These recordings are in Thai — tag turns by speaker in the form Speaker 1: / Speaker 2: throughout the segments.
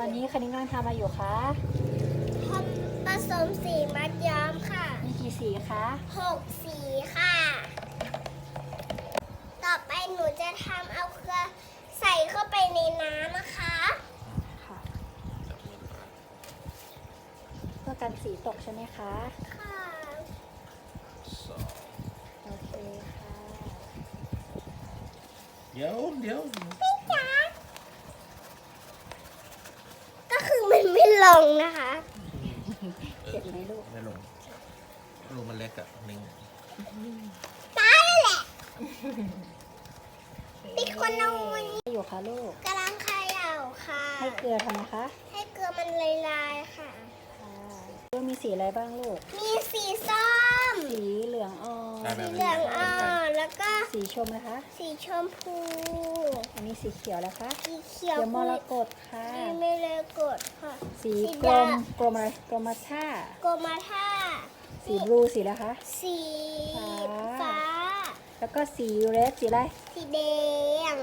Speaker 1: อนนี้คันนี้กำลังทำอะไรอยู่คะ
Speaker 2: ทำผสมสีมัดย้อมค่ะ
Speaker 1: มีกี่สีคะ
Speaker 2: 6 สีค่ะ ต่อไปหนูจะทำเอาเกลือใส่เข้าไปในน้ำนะคะ
Speaker 1: ค่ะเพื่อกันสีตกใช่ไหมคะ
Speaker 2: ค่ะ
Speaker 1: โอเคค่ะ
Speaker 3: เดี๋ยว
Speaker 2: พี่จ๋าก็คือมันไม่ลงนะคะ
Speaker 1: เจ็บไหมลูก
Speaker 3: ไม่ลงรูมันเล็กอะนิ่ง
Speaker 2: ตายแล้วแหละพี่คนเอาไว้
Speaker 1: อยู่คะลูก
Speaker 2: กำลังเขย่าค่ะ
Speaker 1: ให้เกลือทำไมคะ
Speaker 2: ให้เกลือมันลายๆค่ะ
Speaker 1: ลูกมีสีอะไรบ้างลูก
Speaker 2: มีสีส้ม
Speaker 1: สีเหลืองอ่อน
Speaker 2: สีเหลืองอ่อนแล้วก็
Speaker 1: สีชมนะคะ
Speaker 2: สีชมพู
Speaker 1: อันนี้สีเขียวแล้วคะ
Speaker 2: สีเขียว
Speaker 1: มรกตค่ะ
Speaker 2: ไม่เลยกดค่ะ
Speaker 1: สีกลมอะไรกรมท่า
Speaker 2: โกมาท่า
Speaker 1: สีบลูสีแล้วคะ
Speaker 2: สีฟ้า
Speaker 1: แล้วก็สีเรดสีอะไร
Speaker 2: สีแดง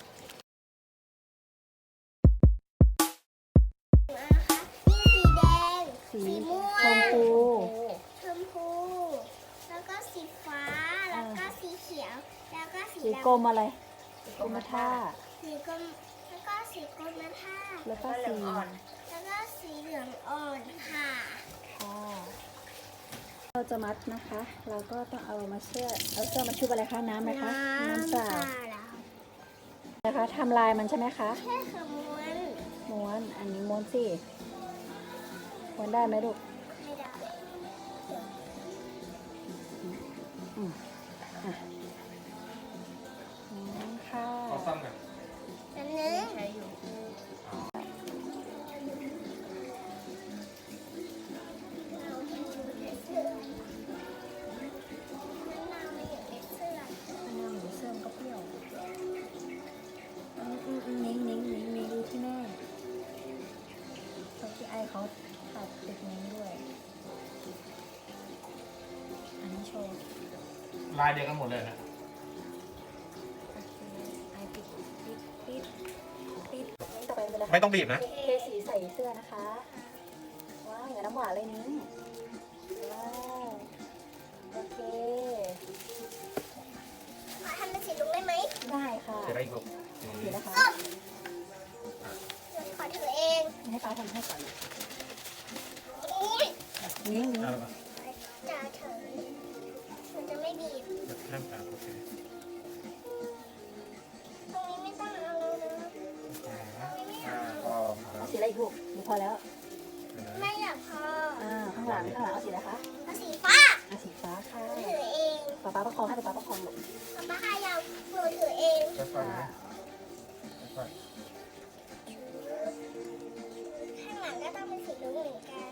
Speaker 2: นะคะสีแดงสีม่วงชมพูแล้วก็สีฟ้าแล้วก็สีเขียวแล้วก็สี
Speaker 1: กรมอะไรกรมท่า
Speaker 2: สีกรมแล้วก็สีกรมท่า
Speaker 1: แล้วก็สี
Speaker 2: แล้วก็สีเหลืองอ่อนค่ะ
Speaker 1: เราจะมัดนะคะ เราก็ต้องเอาเสื้อมาชุบอะไรคะน้ำไหมคะน้ำเปล่านะคะทำลายมันใช่ไหมคะ
Speaker 2: ใช่ค่ะ
Speaker 1: ม้วนอันนี้ม้วนสิม้วนได้ไหมลูก
Speaker 2: ไม่ได้
Speaker 1: ค่ะ
Speaker 3: เอาซ้ำกัน
Speaker 2: อันนึง
Speaker 1: นิ้งดูที่แม่เขาที่ไอเขาตัดติดนิ้งด้วยอันนี้โชว์
Speaker 3: ลายเดียวกันหมดเลยนะ
Speaker 1: ไอปิดต่อไปเป็นอะไร
Speaker 3: ไม่ต้องบีบนะ
Speaker 1: เทสีใส่เสื้อนะคะว้าวอย่างน้ำหวานเลยนิ้งว้าวโอเค
Speaker 2: ทำเป็นสีลุงได้ไหม
Speaker 1: ได้ค่ะ
Speaker 3: จะได้อีกลูก
Speaker 1: สีนะคะ
Speaker 2: ขอถือเอง
Speaker 1: ให้ป้าทำให้ก่อน
Speaker 2: นี่
Speaker 1: นิ้ง
Speaker 2: จะถือมันจะไม่บีบ
Speaker 3: ห้ามตาโอเค
Speaker 2: ตรงนี้ไม่ต้องเอาเลยนะ
Speaker 1: เอาสีอะไรอีกลูกพอแล้ว
Speaker 2: ไม่อยากพอ
Speaker 1: ข้างหลังเอาสีอะไรคะ
Speaker 2: เอาสีฟ้า
Speaker 1: สีฟ้าค่ะ
Speaker 2: ถือเอง
Speaker 1: ป้าประคองให้ป้าประคองลูก
Speaker 2: ป้าให้ยาวหนูถือเองข้างหลังก็ต้องเป็นสีรุ้งเหมือนกัน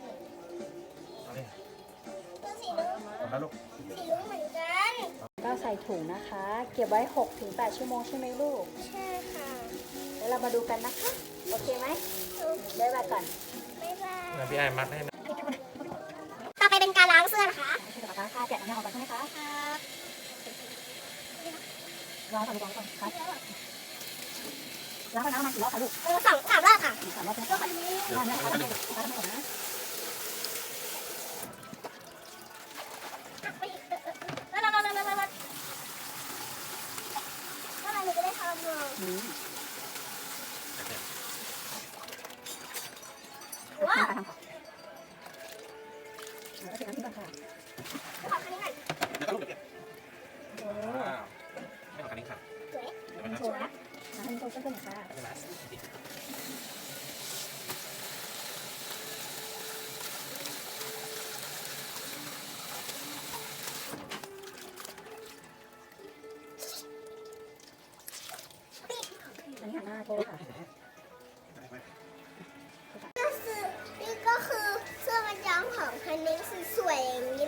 Speaker 2: เป็นสีรุ้งเหมือนกัน
Speaker 1: ก็ใส่ถุงนะคะเก็บไว้ 6-8 ชั่วโมงใช่ไหมลูก
Speaker 2: ใช่ค่ะ
Speaker 1: แล้วเรามาดูกันนะคะโอเคไหมได้ไปก่อน
Speaker 2: บ๊ายบาย
Speaker 3: พี่ไอมัดให้นะ
Speaker 2: ต่อไปเป็นการล้างเสื้อนะคะ
Speaker 1: ใช่ค่ะค่ะแกะน้ำออกก่อนใช่ไหมคะครับล้างก่อนครับล้างน้ำมากี่รอบคะลูก
Speaker 2: 3 รอบค่ะ
Speaker 1: 3 รอบแล้วก็ล้างนะคะล้างก่อนนะ
Speaker 2: หนูจะได้ทำเลยว้าว
Speaker 1: แล้วก็เทน้ำทิ้งก่อนค่ะ
Speaker 2: ขอคันนี้หน่อย
Speaker 3: แล้วก็ลูกเด็กไม่ขอคันนี้ค่ะ
Speaker 2: สวย
Speaker 1: โชว์นะให้โชว์เพื่อนๆค่ะอันนี้หันหน้าโชว์ค่ะ
Speaker 2: นี่ก็คือเสื้อมัดย้อมของคันนี้สวยๆอย่างนี้